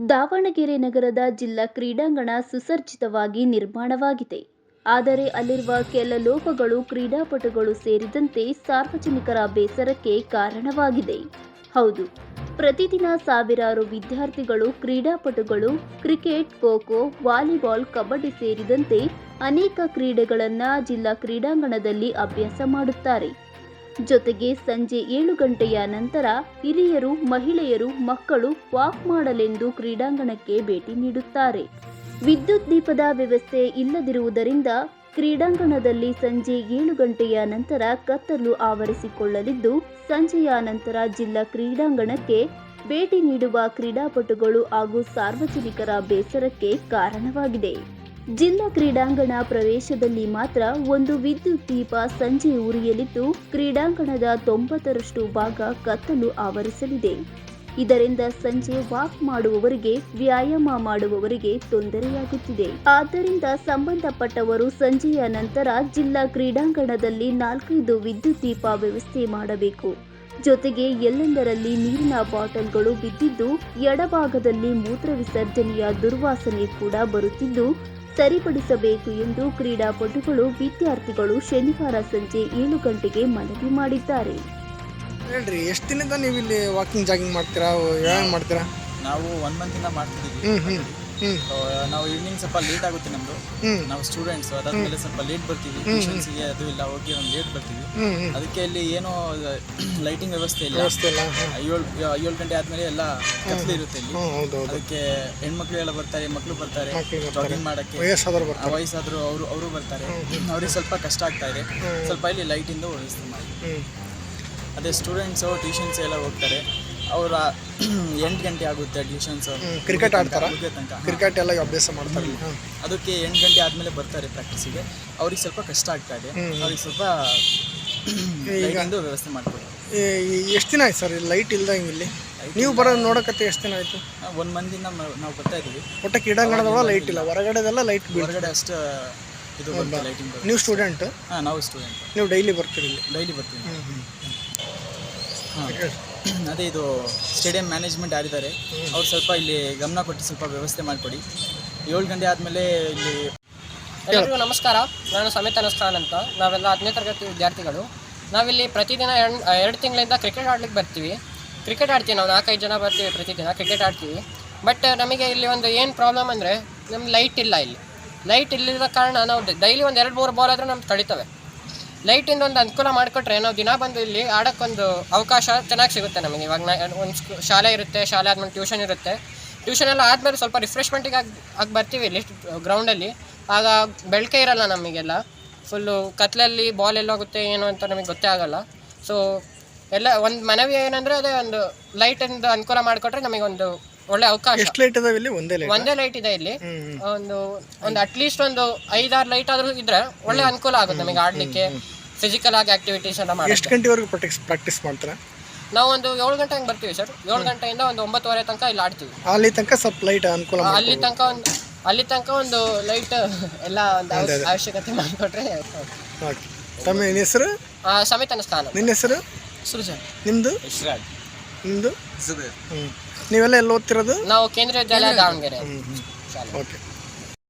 ದಾವಣಗೆರೆ ನಗರದ ಜಿಲ್ಲಾ ಕ್ರೀಡಾಂಗಣ ಸುಸಜ್ಜಿತವಾಗಿ ನಿರ್ಮಾಣವಾಗಿದೆ. ಆದರೆ ಅಲ್ಲಿರುವ ಕೆಲ ಲೋಪಗಳು ಕ್ರೀಡಾಪಟುಗಳು ಸೇರಿದಂತೆ ಸಾರ್ವಜನಿಕರ ಬೇಸರಕ್ಕೆ ಕಾರಣವಾಗಿದೆ. ಹೌದು, ಪ್ರತಿದಿನ ಸಾವಿರಾರು ವಿದ್ಯಾರ್ಥಿಗಳು, ಕ್ರೀಡಾಪಟುಗಳು ಕ್ರಿಕೆಟ್, ಖೋ-ಖೋ, ವಾಲಿಬಾಲ್, ಕಬಡ್ಡಿ ಸೇರಿದಂತೆ ಅನೇಕ ಕ್ರೀಡೆಗಳನ್ನು ಜಿಲ್ಲಾ ಕ್ರೀಡಾಂಗಣದಲ್ಲಿ ಅಭ್ಯಾಸ ಮಾಡುತ್ತಾರೆ. ಜೊತೆಗೆ ಸಂಜೆ 7 ಗಂಟೆಯ ನಂತರ ಹಿರಿಯರು, ಮಹಿಳೆಯರು, ಮಕ್ಕಳು ವಾಕ್ ಮಾಡಲೆಂದು ಕ್ರೀಡಾಂಗಣಕ್ಕೆ ಭೇಟಿ ನೀಡುತ್ತಾರೆ. ವಿದ್ಯುತ್ ದೀಪದ ವ್ಯವಸ್ಥೆ ಇಲ್ಲದಿರುವುದರಿಂದ ಕ್ರೀಡಾಂಗಣದಲ್ಲಿ ಸಂಜೆ 7 ಗಂಟೆಯ ನಂತರ ಕತ್ತಲು ಆವರಿಸಿಕೊಳ್ಳಲಿದ್ದು, ಸಂಜೆಯ ನಂತರ ಜಿಲ್ಲಾ ಕ್ರೀಡಾಂಗಣಕ್ಕೆ ಭೇಟಿ ನೀಡುವ ಕ್ರೀಡಾಪಟುಗಳು ಹಾಗೂ ಸಾರ್ವಜನಿಕರ ಬೇಸರಕ್ಕೆ ಕಾರಣವಾಗಿದೆ. ಜಿಲ್ಲಾ ಕ್ರೀಡಾಂಗಣ ಪ್ರವೇಶದಲ್ಲಿ ಮಾತ್ರ ಒಂದು ವಿದ್ಯುತ್ ದೀಪ ಸಂಜೆ ಉರಿಯಲಿದ್ದು, ಕ್ರೀಡಾಂಗಣದ 90ರಷ್ಟು ಭಾಗ ಕತ್ತಲು ಆವರಿಸಲಿದೆ. ಇದರಿಂದ ಸಂಜೆ ವಾಕ್ ಮಾಡುವವರಿಗೆ, ವ್ಯಾಯಾಮ ಮಾಡುವವರಿಗೆ ತೊಂದರೆಯಾಗುತ್ತಿದೆ. ಆದ್ದರಿಂದ ಸಂಬಂಧಪಟ್ಟವರು ಸಂಜೆಯ ನಂತರ ಜಿಲ್ಲಾ ಕ್ರೀಡಾಂಗಣದಲ್ಲಿ 4-5 ವಿದ್ಯುತ್ ದೀಪ ವ್ಯವಸ್ಥೆ ಮಾಡಬೇಕು. ಜೊತೆಗೆ ಎಲ್ಲೆಂದರಲ್ಲಿ ನೀರಿನ ಬಾಟಲ್ಗಳು ಬಿದ್ದಿದ್ದು, ಎಡಭಾಗದಲ್ಲಿ ಮೂತ್ರ ವಿಸರ್ಜನೆಯ ದುರ್ವಾಸನೆ ಕೂಡ ಬರುತ್ತಿದ್ದು, ಸರಿಪಡಿಸಬೇಕು ಎಂದು ಕ್ರೀಡಾಪಟುಗಳು, ವಿದ್ಯಾರ್ಥಿಗಳು ಶನಿವಾರ ಸಂಜೆ 7 ಗಂಟೆಗೆ ಮನವಿ ಮಾಡಿದ್ದಾರೆ. ಹೇಳ್ರಿ, ಎಷ್ಟು ದಿನದಿಂದ ನೀವು ಇಲ್ಲಿ ವಾಕಿಂಗ್ ಜಾಗಿಂಗ್ ಮಾಡ್ತೀರಾ, ವ್ಯಾಯಾಮ ಮಾಡ್ತೀರಾ? ನಾವು 1 ಮಂತಿಂದ ಮಾಡ್ತಿದ್ದೀವಿ. ನಾವು ಈವ್ನಿಂಗ್ ಸ್ವಲ್ಪ ಲೇಟ್ ಆಗುತ್ತೆ ನಮ್ದು. ನಾವು ಸ್ಟೂಡೆಂಟ್ಸ್, ಅದಾದ್ಮೇಲೆ ಸ್ವಲ್ಪ ಲೇಟ್ ಬರ್ತೀವಿ. ಟ್ಯೂಷನ್ಸ್ಗೆ ಅದು ಇಲ್ಲ, ಹೋಗಿ ಒಂದು ಲೇಟ್ ಬರ್ತೀವಿ. ಅದಕ್ಕೆ ಇಲ್ಲಿ ಏನೋ ಲೈಟಿಂಗ್ ವ್ಯವಸ್ಥೆ ಇಲ್ಲ. 7 ಗಂಟೆ ಆದ್ಮೇಲೆ ಎಲ್ಲ ಕತ್ಲು ಇರುತ್ತೆ ಇಲ್ಲಿ. ಅದಕ್ಕೆ ಹೆಣ್ಮಕ್ಳು ಎಲ್ಲ ಬರ್ತಾರೆ, ಮಕ್ಕಳು ಬರ್ತಾರೆ ಜಾಗಿಂಗ್ ಮಾಡಕ್ಕೆ, ವಯಸ್ಸಾದ್ರು ಅವರು ಬರ್ತಾರೆ. ಅವ್ರಿಗೆ ಸ್ವಲ್ಪ ಕಷ್ಟ ಆಗ್ತಾ ಇದೆ. ಸ್ವಲ್ಪ ಇಲ್ಲಿ ಲೈಟಿಂದ ವ್ಯವಸ್ಥೆ ಮಾಡಿ. ಅದೇ ಸ್ಟೂಡೆಂಟ್ಸು, ಟ್ಯೂಷನ್ಸ್ ಎಲ್ಲ ಹೋಗ್ತಾರೆ. ಅವರ 8 ಗಂಟೆ ಆಗುತ್ತೆ ಟ್ಯೂಷನ್ಸ್. ಕ್ರಿಕೆಟ್ ಆಡ್ತಾರೆ, ಕ್ರಿಕೆಟ್ ಎಲ್ಲ ಅಭ್ಯಾಸ ಮಾಡ್ತಾರೆ. ಅದಕ್ಕೆ 8 ಗಂಟೆ ಆದಮೇಲೆ ಬರ್ತಾರೆ ಪ್ರಾಕ್ಟೀಸಿಗೆ. ಅವ್ರಿಗೆ ಸ್ವಲ್ಪ ಕಷ್ಟ ಆಗ್ತಾ ಇದೆ. ಅವ್ರಿಗೆ ಸ್ವಲ್ಪ ಲೈಟಿಂದು ವ್ಯವಸ್ಥೆ ಮಾಡ್ಕೊಡಿ. ಎಷ್ಟು ದಿನ ಆಯ್ತು ಸರ್ ಲೈಟ್ ಇಲ್ದಂಗೆ ಇಲ್ಲಿ? ನೀವು ಬರೋದು ನೋಡೋಕತ್ತೆ ಎಷ್ಟು ದಿನ ಆಯಿತು? 1 ಮಂತಿಂದ ನಾವು ಬರ್ತಾ ಇದ್ದೀವಿ. ಒಟ್ಟು ಕ್ರೀಡಾಂಗಣದಲ್ಲ ಲೈಟ್ ಇಲ್ಲ, ಹೊರಗಡೆದೆಲ್ಲ ಲೈಟ್. ಹೊರಗಡೆ ಅಷ್ಟು ಇದು ಲೈಟಿಂಗ್. ನೀವು ಸ್ಟೂಡೆಂಟ್? ಹಾಂ, ನಾವು ಸ್ಟೂಡೆಂಟ್. ನೀವು ಡೈಲಿ ಬರ್ತೀರಿ ಇಲ್ಲಿ? ಡೈಲಿ ಬರ್ತೀವಿ. ಅದೇ ಇದು ಸ್ಟೇಡಿಯಂ ಮ್ಯಾನೇಜ್ಮೆಂಟ್ ಯಾರಿದ್ದಾರೆ ಅವ್ರು ಸ್ವಲ್ಪ ಇಲ್ಲಿ ಗಮನ ಕೊಟ್ಟು ಸ್ವಲ್ಪ ವ್ಯವಸ್ಥೆ ಮಾಡಿಕೊಡಿ. 7 ಗಂಟೆ ಆದಮೇಲೆ ಇಲ್ಲಿ. ಎಲ್ಲರಿಗೂ ನಮಸ್ಕಾರ. ನಾನು ಸಮೇತ ಅನುಷ್ಠಾನ್ ಅಂತ. ನಾವೆಲ್ಲ 10ನೇ ತರಗತಿ ವಿದ್ಯಾರ್ಥಿಗಳು. ನಾವಿಲ್ಲಿ ಪ್ರತಿದಿನ 2 ತಿಂಗಳಿಂದ ಕ್ರಿಕೆಟ್ ಆಡ್ಲಿಕ್ಕೆ ಬರ್ತೀವಿ. ಕ್ರಿಕೆಟ್ ಆಡ್ತೀವಿ. ನಾವು 4-5 ಜನ ಬರ್ತೀವಿ, ಪ್ರತಿದಿನ ಕ್ರಿಕೆಟ್ ಆಡ್ತೀವಿ. ಬಟ್ ನಮಗೆ ಇಲ್ಲಿ ಒಂದು ಏನು ಪ್ರಾಬ್ಲಮ್ ಅಂದರೆ, ನಮ್ಗೆ ಲೈಟ್ ಇಲ್ಲ. ಇಲ್ಲಿ ಲೈಟ್ ಇಲ್ಲದ ಕಾರಣ ನಾವು ಡೈಲಿ ಒಂದು 2-3 ಬಾಲ್ ಆದರೂ ನಮ್ಗೆ ತಡೀತವೆ. ಲೈಟಿಂದ ಒಂದು ಅನುಕೂಲ ಮಾಡಿಕೊಟ್ರೆ ನಾವು ದಿನ ಬಂದು ಇಲ್ಲಿ ಆಡೋಕ್ಕೊಂದು ಅವಕಾಶ ಚೆನ್ನಾಗಿ ಸಿಗುತ್ತೆ ನಮಗೆ. ಇವಾಗ ಒಂದು ಶಾಲೆ ಇರುತ್ತೆ, ಶಾಲೆ ಆದಮೇಲೆ ಟ್ಯೂಷನ್ ಇರುತ್ತೆ. ಟ್ಯೂಷನ್ ಎಲ್ಲ ಆದಮೇಲೆ ಸ್ವಲ್ಪ ರಿಫ್ರೆಶ್ಮೆಂಟಿಗೆ ಆಗಿ ಬರ್ತೀವಿ ಇಲ್ಲಿ ಗ್ರೌಂಡಲ್ಲಿ. ಆಗ ಬೆಳಕೆ ಇರೋಲ್ಲ ನಮಗೆಲ್ಲ. ಫುಲ್ಲು ಕತ್ಲಲ್ಲಿ ಬಾಲ್ ಎಲ್ಲೋಗುತ್ತೆ ಏನು ಅಂತ ನಮಗೆ ಗೊತ್ತೇ ಆಗೋಲ್ಲ. ಸೊ ಎಲ್ಲ ಒಂದು ಮನವಿ ಏನಂದರೆ, ಅದೇ ಒಂದು ಲೈಟಿಂದ ಅನುಕೂಲ ಮಾಡಿಕೊಟ್ರೆ ನಮಗೊಂದು ಒಳ್ಳೆ ಅವಕಾಶ. ಎಷ್ಟು ಲೈಟ್ ಇದಾವೆ ಇಲ್ಲಿ? ಒಂದೇ ಲೈಟ್ ಇದೆ ಇಲ್ಲಿ. ಒಂದು ಅಟ್ಲೀಸ್ಟ್ ಒಂದು 5-6 ಲೈಟ್ ಆದರೂ ಇದ್ರೆ ಒಳ್ಳೆ ಅನುಕೂಲ ಆಗುತ್ತೆ ನಮಗೆ ಆಡಲಿಕ್ಕೆ, ಫಿಸಿಕಲ್ ಆಗಿ ಆಕ್ಟಿವಿಟೀಸ್ ಎಲ್ಲ ಮಾಡಿ. ಎಷ್ಟು ಗಂಟೆವರೆಗೂ ಪ್ರಾಕ್ಟೀಸ್ ಮಾಡ್ತಾರೆ? ನಾವು ಒಂದು 7 ಗಂಟೆ ಹಂಗೆ ಬರ್ತೀವಿ ಸರ್. 7 ಗಂಟೆಯಿಂದ ಒಂದು 9:30 ತನಕ ಇಲ್ಲಿ ಆಡ್ತೀವಿ. ಅಲ್ಲಿ ತನಕ ಸ್ವಲ್ಪ ಲೈಟ್ ಅನುಕೂಲ, ಅಲ್ಲಿ ತನಕ ಒಂದು ಲೈಟ್ ಎಲ್ಲ ಒಂದು ಅವಶ್ಯಕತೆ ಮಾಡಿಕೊಟ್ರೆ. ತಮ್ಮ ಹೆಸರು? ಸಮೇತ ಅನುಷ್ಠಾನ. ನಿನ್ನ ಹೆಸರು? ಸೃಜನ್. ನಿಮ್ಮದು? ನಿಮ್ಮದು? ನೀವೆಲ್ಲ ಎಲ್ಲಿ ಓದ್ತಿರೋದು? ನಾವು ಕೇಂದ್ರೀಯ ವಿದ್ಯಾಲಯ ದಾವಣಗೆರೆ. ಓಕೆ.